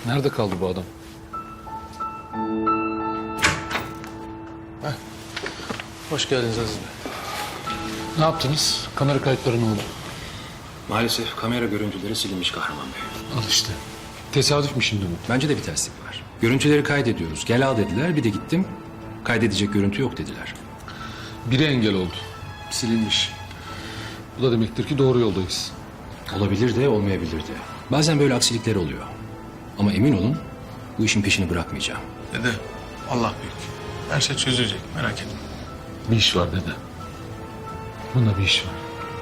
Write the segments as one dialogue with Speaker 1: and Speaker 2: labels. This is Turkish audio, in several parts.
Speaker 1: Nerede kaldı bu adam?
Speaker 2: Hoş geldiniz Aziz Bey.
Speaker 1: Ne yaptınız? Kamera kayıtları ne oldu?
Speaker 3: Maalesef kamera görüntüleri silinmiş Kahraman Bey.
Speaker 1: Al işte. Tesadüf mü şimdi bu?
Speaker 3: Bence de bir terslik var. Görüntüleri kaydediyoruz. Gel al dediler. Bir de gittim. Kaydedecek görüntü yok dediler.
Speaker 1: Biri engel oldu. Silinmiş. Bu da demektir ki doğru yoldayız.
Speaker 3: Olabilir de olmayabilir de. Bazen böyle aksilikler oluyor. Ama emin olun bu işin peşini bırakmayacağım.
Speaker 2: Dede, Allah büyük. Her şey çözülecek, merak etme.
Speaker 1: Bir iş var dede. Bunda bir iş var.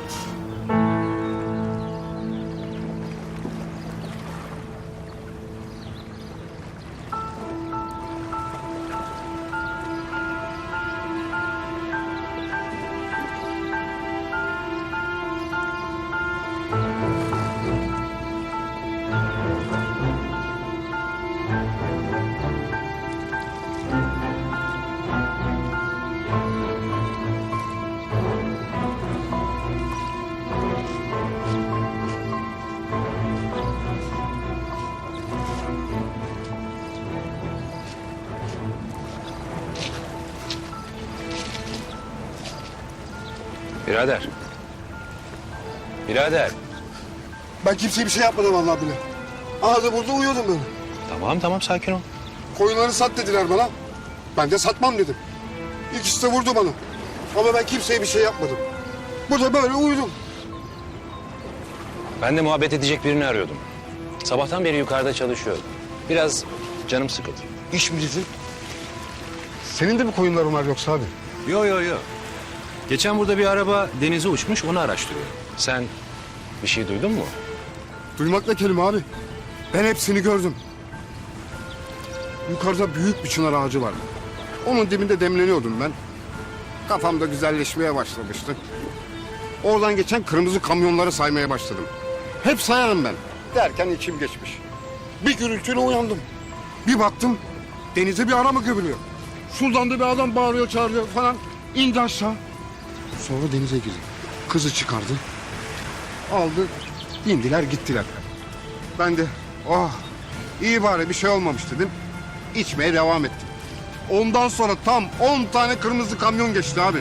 Speaker 3: Birader. Birader.
Speaker 4: Ben kimseye bir şey yapmadım vallahi bile. Ağzı burada uyuyordum ben.
Speaker 3: Tamam sakin ol.
Speaker 4: Koyunları sat dediler bana. Ben de satmam dedim. İkisi de vurdu bana. Ama ben kimseye bir şey yapmadım. Burada böyle uyudum.
Speaker 3: Ben de muhabbet edecek birini arıyordum. Sabahtan beri yukarıda çalışıyordum. Biraz canım sıkıldı.
Speaker 4: İş mi dedin? Senin de mi koyunların var yoksa abi?
Speaker 3: Yo. Geçen burada bir araba denize uçmuş, onu araştırıyorum. Sen bir şey duydun mu?
Speaker 4: Duymakla kelime abi. Ben hepsini gördüm. Yukarıda büyük bir çınar ağacı vardı. Onun dibinde demleniyordum ben. Kafamda güzelleşmeye başlamıştı. Oradan geçen kırmızı kamyonları saymaya başladım. Hep sayarım ben. Derken içim geçmiş. Bir gürültüyle uyandım. Bir baktım denize bir araba gömülüyor. Şuradan da bir adam bağırıyor çağırıyor falan. İndi aşağı. Sonra denize girdi. Kızı çıkardı. Aldı. İndiler gittiler. Ben de oh iyi bari bir şey olmamış dedim. İçmeye devam ettim. Ondan sonra tam 10 tane kırmızı kamyon geçti abi.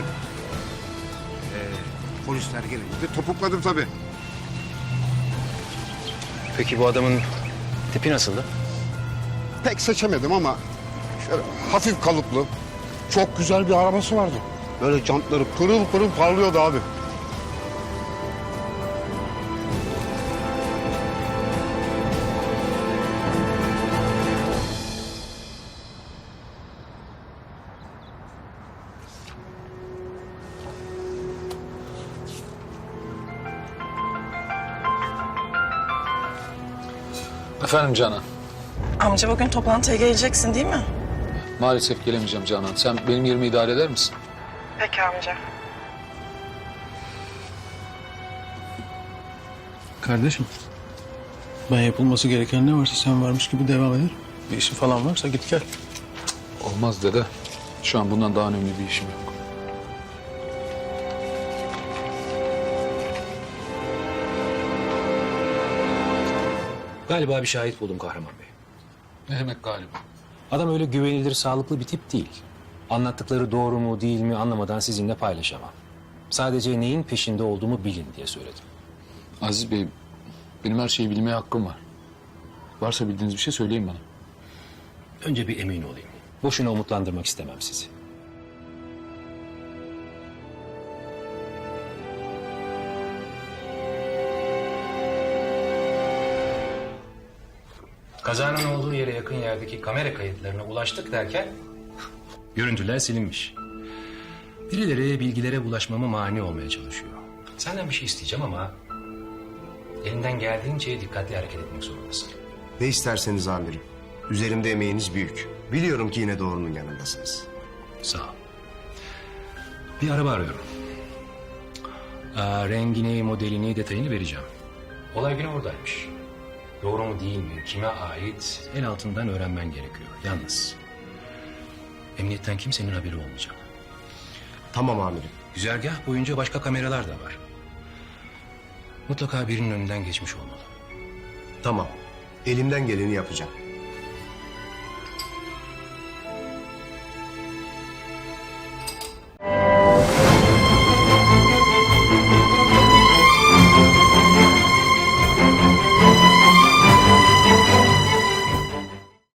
Speaker 4: Polisler gelince de topukladım tabii.
Speaker 3: Peki bu adamın tipi nasıldı?
Speaker 4: Pek seçemedim ama şöyle hafif kalıplı, çok güzel bir arabası vardı. Böyle jantları pırıl pırıl parlıyordu abi.
Speaker 1: Efendim Canan.
Speaker 5: Amca bugün toplantıya geleceksin değil mi?
Speaker 1: Maalesef gelemeyeceğim Canan. Sen benim yerimi idare eder misin?
Speaker 5: Peki amca.
Speaker 2: Kardeşim, ben yapılması gereken ne varsa sen varmış gibi devam eder. Bir işin falan varsa git gel.
Speaker 1: Olmaz dede. Şu an bundan daha önemli bir işim yok.
Speaker 3: Galiba bir şahit buldum Kahraman Bey.
Speaker 1: Ne demek galiba?
Speaker 3: Adam öyle güvenilir, sağlıklı bir tip değil. Anlattıkları doğru mu değil mi anlamadan sizinle paylaşamam. Sadece neyin peşinde olduğumu bilin diye söyledim.
Speaker 1: Aziz Bey, benim her şeyi bilmeye hakkım var. Varsa bildiğiniz bir şey söyleyin bana.
Speaker 3: Önce bir emin olayım. Boşuna umutlandırmak istemem sizi. Kazanın olduğu yere yakın yerdeki kamera kayıtlarına ulaştık derken görüntüler silinmiş. Birileri bilgilere ulaşmama mani olmaya çalışıyor. Senden bir şey isteyeceğim ama elinden geldiğince dikkatli hareket etmek zorundasın.
Speaker 6: Ne isterseniz amirim. Üzerimde emeğiniz büyük. Biliyorum ki yine doğrunun yanındasınız.
Speaker 3: Sağ ol. Bir araba arıyorum. Rengini, modelini, detayını vereceğim. Olay günü oradaymış. Doğru mu değil mi, kime ait el altından öğrenmen gerekiyor. Yalnız emniyetten kimsenin haberi olmayacak.
Speaker 6: Tamam amirim.
Speaker 3: Güzergah boyunca başka kameralar da var. Mutlaka birinin önünden geçmiş olmalı.
Speaker 6: Tamam. Elimden geleni yapacağım.